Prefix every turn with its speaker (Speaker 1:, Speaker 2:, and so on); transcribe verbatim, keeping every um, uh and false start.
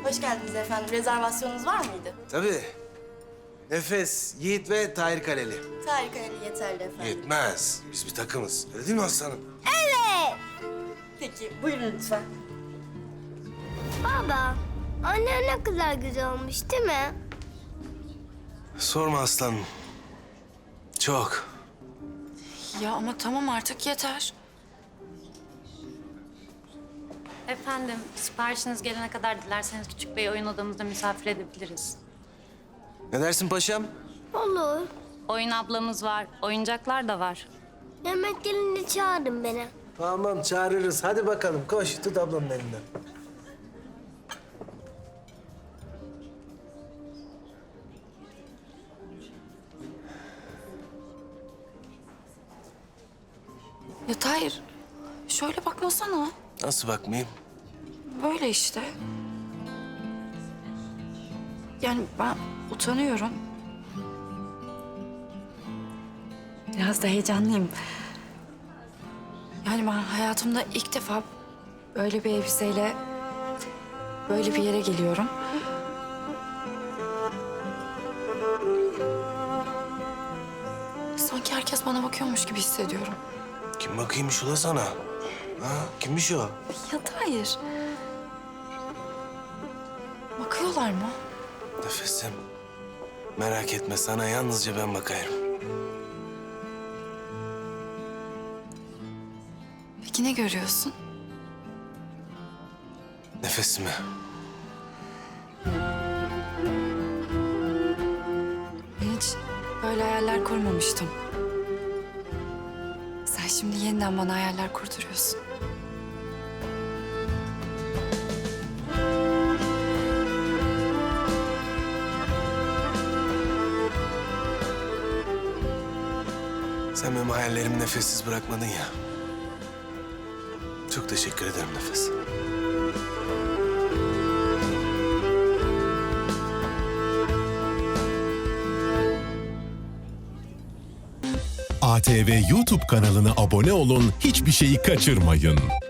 Speaker 1: Hoş geldiniz efendim. Rezervasyonunuz var mıydı?
Speaker 2: Tabii. Nefes, Yiğit ve Tahir Kaleli.
Speaker 1: Tahir Kaleli yeterli efendim.
Speaker 2: Yetmez. Biz bir takımız. Öyle değil mi aslanım?
Speaker 1: Peki, buyurun lütfen.
Speaker 3: Baba, anne ne kadar güzel olmuş değil mi?
Speaker 2: Sorma aslanım. Çok.
Speaker 4: Ya ama tamam artık yeter.
Speaker 5: Efendim, siparişiniz gelene kadar dilerseniz Küçük Bey'i oyun odamızda misafir edebiliriz.
Speaker 2: Ne dersin paşam?
Speaker 3: Olur.
Speaker 5: Oyun ablamız var, oyuncaklar da var.
Speaker 3: Yemek gelince çağırın beni.
Speaker 2: Tamam çağırırız. Hadi bakalım koş tut ablanın elinden.
Speaker 4: Ya Tahir, şöyle bakmasana.
Speaker 2: Nasıl bakmayayım?
Speaker 4: Böyle işte. Yani ben utanıyorum. Biraz da heyecanlıyım. Yani ben hayatımda ilk defa böyle bir elbiseyle böyle bir yere geliyorum. Sanki herkes bana bakıyormuş gibi hissediyorum.
Speaker 2: Kim bakıyormuş ula sana? Ha? Kimmiş o?
Speaker 4: Ya Tahir. Bakıyorlar mı?
Speaker 2: Nefesim. Merak etme sana yalnızca ben bakayım.
Speaker 4: Peki ne görüyorsun?
Speaker 2: Nefesimi.
Speaker 4: Ben hiç böyle hayaller kurmamıştım. Sen şimdi yeniden bana hayaller kurduruyorsun.
Speaker 2: Sen benim hayallerimi nefessiz bırakmadın ya. Çok teşekkür ederim Nefes.
Speaker 6: A T V YouTube kanalına abone olun, hiçbir şeyi kaçırmayın.